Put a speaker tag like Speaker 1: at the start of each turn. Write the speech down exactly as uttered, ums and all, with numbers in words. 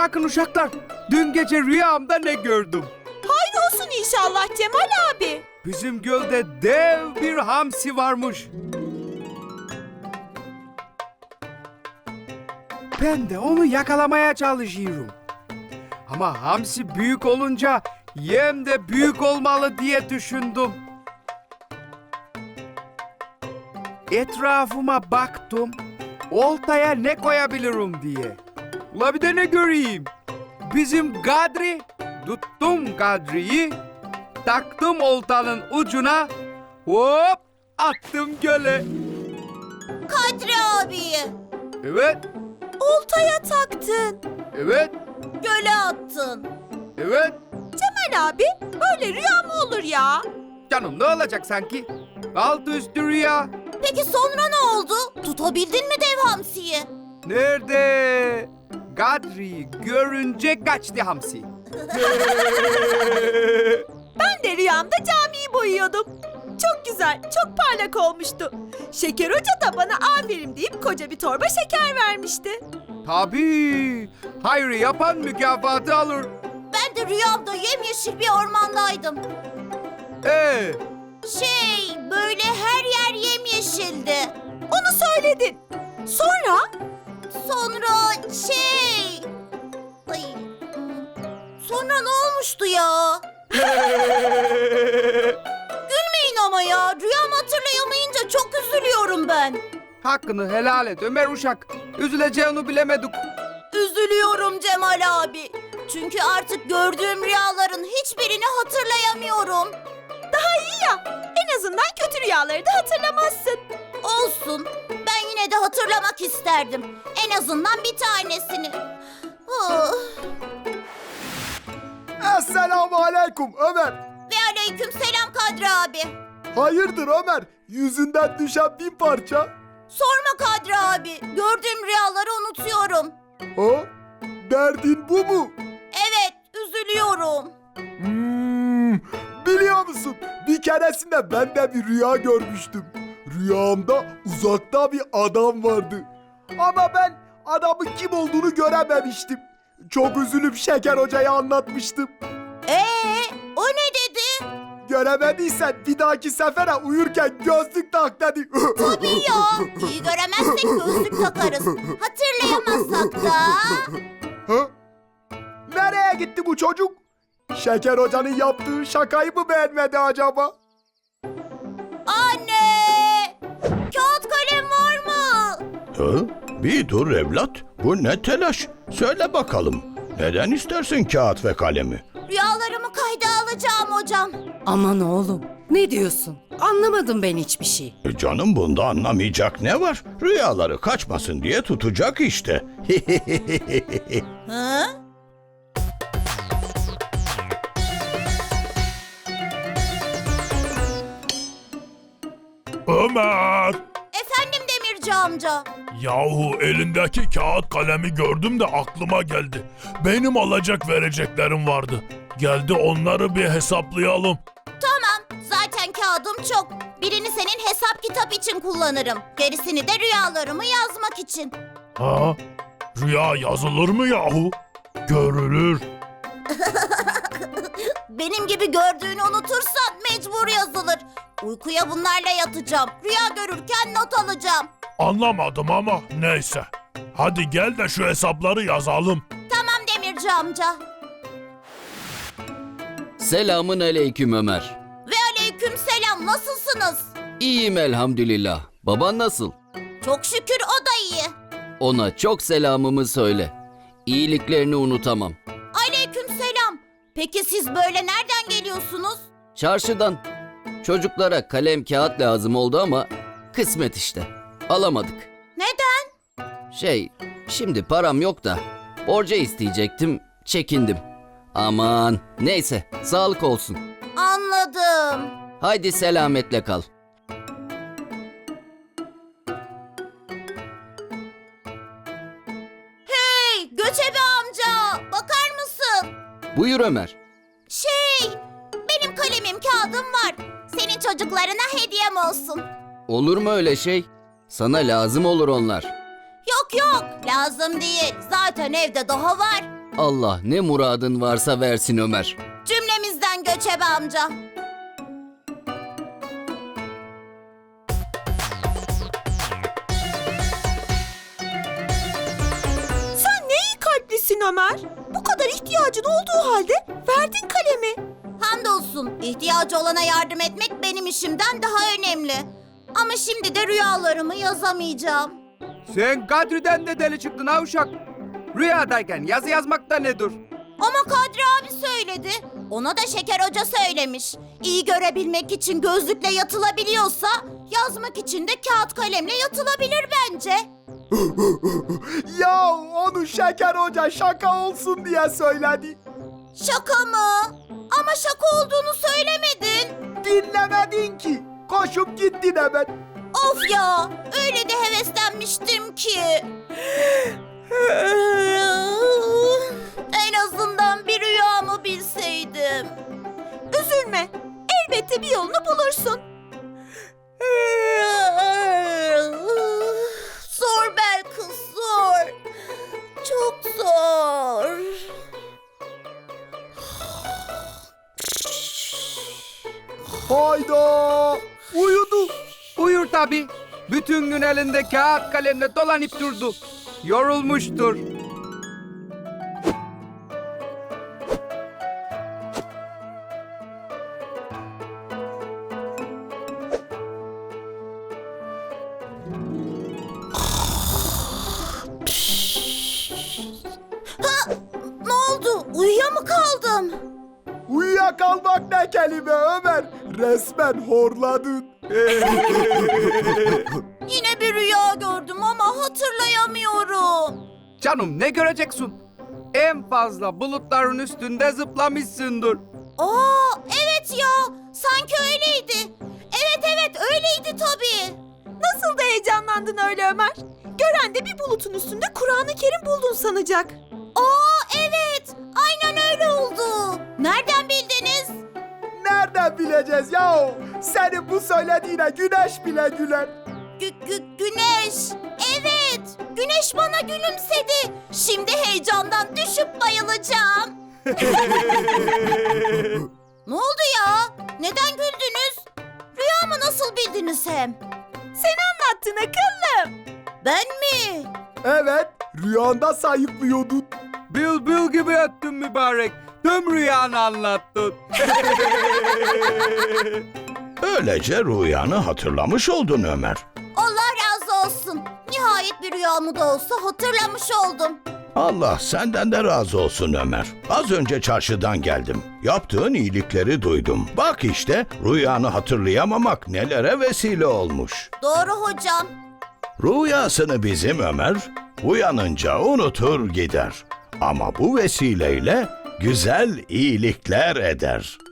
Speaker 1: Bakın uşaklar, dün gece rüyamda ne gördüm?
Speaker 2: Hayır olsun inşallah Cemal abi.
Speaker 1: Bizim gölde dev bir hamsi varmış. Ben de onu yakalamaya çalışıyorum. Ama hamsi büyük olunca yem de büyük olmalı diye düşündüm. Etrafıma baktım, oltaya ne koyabilirim diye. Ula bir de ne göreyim? Bizim Kadri, tuttum Kadri'yi, taktım oltanın ucuna, hop attım göle.
Speaker 2: Kadri abiyi
Speaker 1: Evet,
Speaker 2: oltaya taktın.
Speaker 1: evet,
Speaker 2: Göle attın.
Speaker 1: evet.
Speaker 2: Cemal abi böyle rüya mı olur ya?
Speaker 1: Canım ne olacak sanki? Altı üstü rüya.
Speaker 2: Peki sonra ne oldu? Tutabildin mi dev hamsiyi?
Speaker 1: Nerede? Kadri'yi görünce kaçtı hamsi.
Speaker 2: Ben de rüyamda camiyi boyuyordum. Çok güzel, çok parlak olmuştu. Şeker Hoca da bana aferin deyip koca bir torba şeker vermişti.
Speaker 1: Tabii. Hayrı yapan mükafatı alır.
Speaker 2: Ben de rüyamda yemyeşil bir ormandaydım.
Speaker 1: Ee,
Speaker 2: Şey, böyle her yer yemyeşildi. Onu söyledin. Sonra? Sonra şey... Ay, sonra ne olmuştu ya? Gülmeyin ama ya. Rüyamı hatırlayamayınca çok üzülüyorum ben.
Speaker 1: hakkını helal et Ömer uşak. Üzüleceğini bilemedik.
Speaker 2: Üzülüyorum Cemal abi. Çünkü artık gördüğüm rüyaların hiçbirini hatırlayamıyorum. Daha iyi ya. En azından kötü rüyaları da hatırlamazsın. Olsun. Ben yine de hatırlamak isterdim. En azından bir tanesini. Oh.
Speaker 3: Esselamu aleyküm Ömer.
Speaker 2: Ve aleyküm selam Kadri abi.
Speaker 3: Hayırdır Ömer? Yüzünden düşen bin parça.
Speaker 2: Sorma Kadri abi. Gördüğüm rüyaları unutuyorum.
Speaker 3: Ha? Derdin bu mu?
Speaker 2: Evet, üzülüyorum.
Speaker 3: Hmm, biliyor musun? Bir keresinde ben de bir rüya görmüştüm. Rüyamda uzakta bir adam vardı. Ama ben adamın kim olduğunu görememiştim. Çok üzülüp Şeker Hoca'ya anlatmıştım.
Speaker 2: Ee, o ne dedi?
Speaker 3: Göremediysen bir dahaki sefere uyurken gözlük tak dedi.
Speaker 2: Tabii ya. İyi göremezsek gözlük takarız. Hatırlayamazsak da.
Speaker 3: Ha? Nereye gitti bu çocuk? Şeker Hoca'nın yaptığı şakayı mı beğenmedi acaba?
Speaker 2: Anne! Kağıt kalem var mı?
Speaker 4: Hı? Bir dur evlat. Bu ne telaş? Söyle bakalım. Neden istersin kağıt ve kalemi?
Speaker 2: Rüyalarımı kayda alacağım hocam.
Speaker 5: Aman oğlum, ne diyorsun? Anlamadım ben hiçbir şey.
Speaker 4: E canım bunda anlamayacak ne var? Rüyaları kaçmasın diye tutacak işte.
Speaker 2: Hı?
Speaker 6: Ömer!
Speaker 2: Efendim Demirci amca.
Speaker 6: Yahu elindeki kağıt kalemi gördüm de aklıma geldi. Benim alacak vereceklerim vardı. Geldi onları bir hesaplayalım.
Speaker 2: Tamam, zaten kağıdım çok. Birini senin hesap kitap için kullanırım. Gerisini de rüyalarımı yazmak için.
Speaker 6: Ha? Rüya yazılır mı yahu? Görülür.
Speaker 2: Benim gibi gördüğünü unutursan mecbur yazılır. Uykuya bunlarla yatacağım. Rüya görürken not alacağım.
Speaker 6: Anlamadım ama neyse. Hadi gel de şu hesapları yazalım.
Speaker 2: Tamam Demirci amca.
Speaker 7: Selamın aleyküm Ömer.
Speaker 2: Ve aleyküm selam, nasılsınız?
Speaker 7: İyiyim elhamdülillah. Baban nasıl?
Speaker 2: Çok şükür o da iyi.
Speaker 7: Ona çok selamımı söyle. İyiliklerini unutamam.
Speaker 2: Aleyküm selam. Peki siz böyle nereden geliyorsunuz?
Speaker 7: Çarşıdan. Çocuklara kalem kağıt lazım oldu ama kısmet işte. Alamadık.
Speaker 2: Neden?
Speaker 7: Şey, şimdi param yok da borca isteyecektim, çekindim. Aman neyse, sağlık olsun.
Speaker 2: Anladım.
Speaker 7: Haydi selametle kal.
Speaker 2: Hey Göçebe amca, bakar mısın?
Speaker 7: Buyur Ömer.
Speaker 2: Şey, benim kalemim kağıdım var. Senin çocuklarına hediyem olsun.
Speaker 7: Olur mu öyle şey? Sana lazım olur onlar.
Speaker 2: Yok yok, lazım değil. Zaten evde daha var.
Speaker 7: Allah ne muradın varsa versin Ömer.
Speaker 2: Cümlemizden Göçebe amca.
Speaker 8: Sen ne iyi kalplisin Ömer. Bu kadar ihtiyacın olduğu halde verdin kalemi.
Speaker 2: Hamdolsun ihtiyacı olana yardım etmek benim işimden daha önemli. Ama şimdi de rüyalarımı yazamayacağım.
Speaker 1: Sen Kadri'den de deli çıktın ha uşak. Rüyadayken yazı yazmak da nedir?
Speaker 2: Ama Kadri abi söyledi. Ona da Şeker Hoca söylemiş. İyi görebilmek için gözlükle yatılabiliyorsa yazmak için de kağıt kalemle yatılabilir bence.
Speaker 3: Ya onu Şeker Hoca şaka olsun diye söyledi.
Speaker 2: Şaka mı? Ama şaka olduğunu söylemedin.
Speaker 3: Dinlemedin ki. Koşup gittin hemen.
Speaker 2: Of ya, öyle de heveslenmiştim ki. En azından bir rüyamı bilseydim.
Speaker 8: Üzülme. Elbette bir yolunu bulursun.
Speaker 2: Zor Belkıs, zor. Çok zor.
Speaker 3: Hayda. Uyudu.
Speaker 1: Uyur tabii. Bütün gün elinde kağıt kalemle dolanıp durdu. Yorulmuştur.
Speaker 2: Ne oldu? Uyuya mı kaldım?
Speaker 3: Uyuyakalmak ne kelime Ömer. Resmen horladın.
Speaker 2: Yine bir rüya gördüm ama hatırlayamıyorum.
Speaker 1: Canım ne göreceksin? En fazla bulutların üstünde zıplamışsındır.
Speaker 2: Aa, evet ya. Sanki öyleydi. Evet evet öyleydi tabii.
Speaker 8: Nasıl da heyecanlandın öyle Ömer. Gören de bir bulutun üstünde Kur'an-ı Kerim buldun sanacak.
Speaker 2: Aa evet. Aynen öyle oldu. Nereden bildiniz?
Speaker 3: Nereden bileceğiz ya? Senin bu söylediğine güneş bile güler.
Speaker 2: Gü- gü- güneş. Evet. Güneş bana gülümsedi. Şimdi heyecandan düşüp bayılacağım. Ne oldu ya? Neden güldünüz? Rüyamı nasıl bildiniz hem?
Speaker 8: Sen anlattın akıllım.
Speaker 2: Ben mi?
Speaker 3: Evet, rüyanda sayıklıyordun.
Speaker 1: Bülbül gibi öttün mübarek. Tüm rüyanı anlattın.
Speaker 4: Böylece rüyanı hatırlamış oldun Ömer.
Speaker 2: Allah razı olsun. Nihayet bir rüyamı da olsa hatırlamış oldum.
Speaker 4: Allah senden de razı olsun Ömer. Az önce çarşıdan geldim. Yaptığın iyilikleri duydum. Bak işte rüyanı hatırlayamamak nelere vesile olmuş.
Speaker 2: Doğru hocam.
Speaker 4: Rüyasını bizim Ömer uyanınca unutur gider. Ama bu vesileyle güzel iyilikler eder.